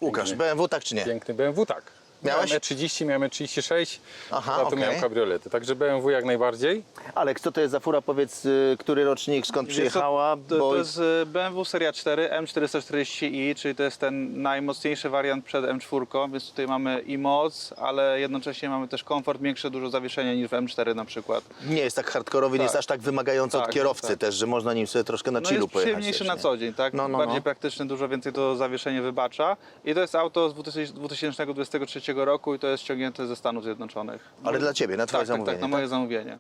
Łukasz, BMW tak czy nie? Piękny BMW, tak. Miałeś? Miałem E30, miałem E36, Aha, a tu okej. miałem kabriolety. Także BMW jak najbardziej. Aleks, co to jest za fura? Powiedz, który rocznik, skąd przyjechała? To jest BMW Seria 4 M440i, czyli to jest ten najmocniejszy wariant przed M4, więc tutaj mamy i moc, ale jednocześnie mamy też komfort, większe dużo zawieszenia niż w M4 na przykład. Nie jest tak hardkorowy, nie jest aż tak wymagający od Tak, kierowcy tak. też, że można nim sobie troszkę na No chillu jest pojechać. przyjemniejszy też, na nie? co dzień, tak? Bardziej praktyczny, dużo więcej to zawieszenie wybacza. I to jest auto z 2023 roku i to jest ściągnięte ze Stanów Zjednoczonych. Ale dla Ciebie, na Twoje Tak, zamówienie. tak, na moje zamówienie.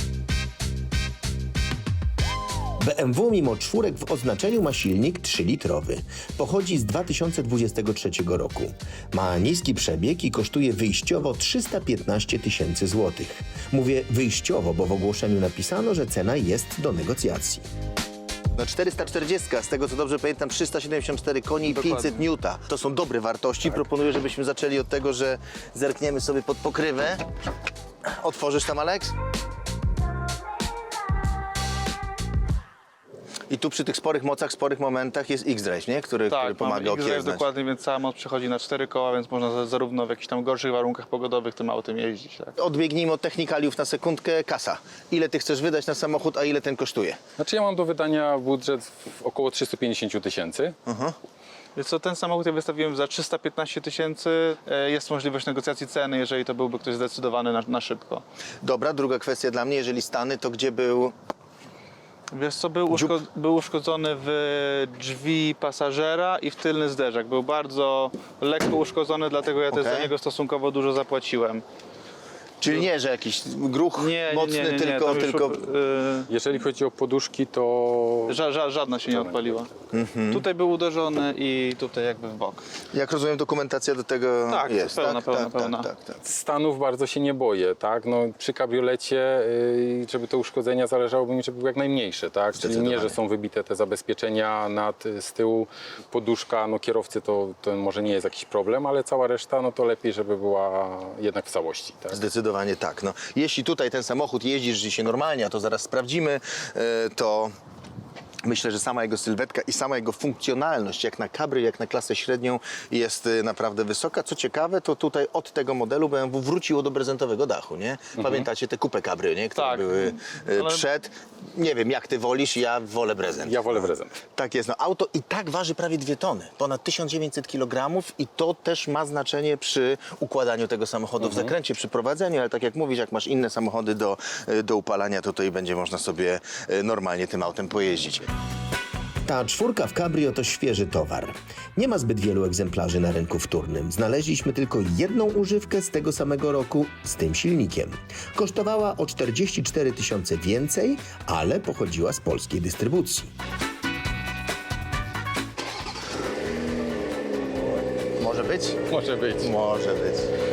BMW mimo czwórek w oznaczeniu ma silnik 3-litrowy. Pochodzi z 2023 roku. Ma niski przebieg i kosztuje wyjściowo 315 tysięcy złotych. Mówię wyjściowo, bo w ogłoszeniu napisano, że cena jest do negocjacji. No 440, z tego co dobrze pamiętam, 374 koni i Dokładnie. 500 Newta. To są dobre wartości. Proponuję, żebyśmy zaczęli od tego, że zerkniemy sobie pod pokrywę. Otworzysz tam, Aleks? I tu przy tych sporych mocach, sporych momentach jest X-Drive, nie? Który pomaga mamy X-Drive okiełznać. dokładnie, więc cała moc przechodzi na 4 koła, więc można zarówno w jakichś tam gorszych warunkach pogodowych tym autem jeździć. Tak? Odbiegnijmy od technikaliów na sekundkę. Kasa. Ile ty chcesz wydać na samochód, a ile ten kosztuje? Znaczy ja mam do wydania budżet w około 350 tysięcy. Więc co, ten samochód ja wystawiłem za 315 tysięcy. Jest możliwość negocjacji ceny, jeżeli to byłby ktoś zdecydowany na szybko. Dobra, druga kwestia dla mnie. Jeżeli Stany, to gdzie był... Wiesz co, był uszkodzony w drzwi pasażera i w tylny zderzak. Był bardzo lekko uszkodzony, dlatego ja też za niego stosunkowo dużo zapłaciłem. Czyli nie, że jakiś gruch mocny, tylko... tam już, Jeżeli chodzi o poduszki, to żadna się nie odpaliła. Tutaj był uderzony i tutaj jakby w bok. Jak rozumiem, dokumentacja do tego Tak, jest, pełna, tak? pełna. Tak. Stanów bardzo się nie boję, tak? No, przy kabriolecie, żeby te uszkodzenia zależałoby mi, żeby były jak najmniejsze, tak? Czyli nie, Zdecydowanie. że są wybite te zabezpieczenia z tyłu, poduszka, no kierowcy to może nie jest jakiś problem, ale cała reszta, no to lepiej, żeby była jednak w całości, tak? Zdecydowanie tak. No, jeśli tutaj ten samochód jeździsz dzisiaj normalnie, a to zaraz sprawdzimy, to myślę, że sama jego sylwetka i sama jego funkcjonalność, jak na kabry, jak na klasę średnią, jest naprawdę wysoka. Co ciekawe, to tutaj od tego modelu BMW wróciło do prezentowego dachu, nie? Pamiętacie te coupe kabry, nie? Które Tak. były Ale- przed. Nie wiem, jak ty wolisz, ja wolę prezent. Ja wolę prezent. Tak jest. No, auto i tak waży prawie 2 tony, ponad 1900 kg i to też ma znaczenie przy układaniu tego samochodu w zakręcie, przy prowadzeniu, ale tak jak mówisz, jak masz inne samochody do upalania, to tutaj będzie można sobie normalnie tym autem pojeździć. Ta czwórka w Cabrio to świeży towar. Nie ma zbyt wielu egzemplarzy na rynku wtórnym. Znaleźliśmy tylko jedną używkę z tego samego roku z tym silnikiem. Kosztowała o 44 tysiące więcej, ale pochodziła z polskiej dystrybucji. Może być? Może być. Może być.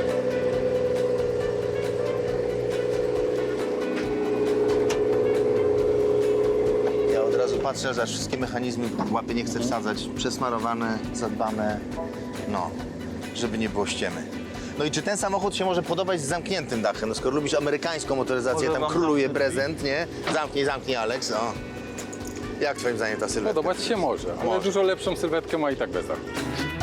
Ja od razu patrzę, że wszystkie mechanizmy łapy nie chcę wsadzać. Przesmarowane, zadbane, no, żeby nie było ściemy. No i czy ten samochód się może podobać z zamkniętym dachem? No skoro lubisz amerykańską motoryzację, Może tam wam króluje zamknę prezent, nie? Zamknij, Aleks, o. Jak twoim zdaniem ta sylwetka? Podobać się może, ale Może. dużo lepszą sylwetkę ma i tak bez dachu.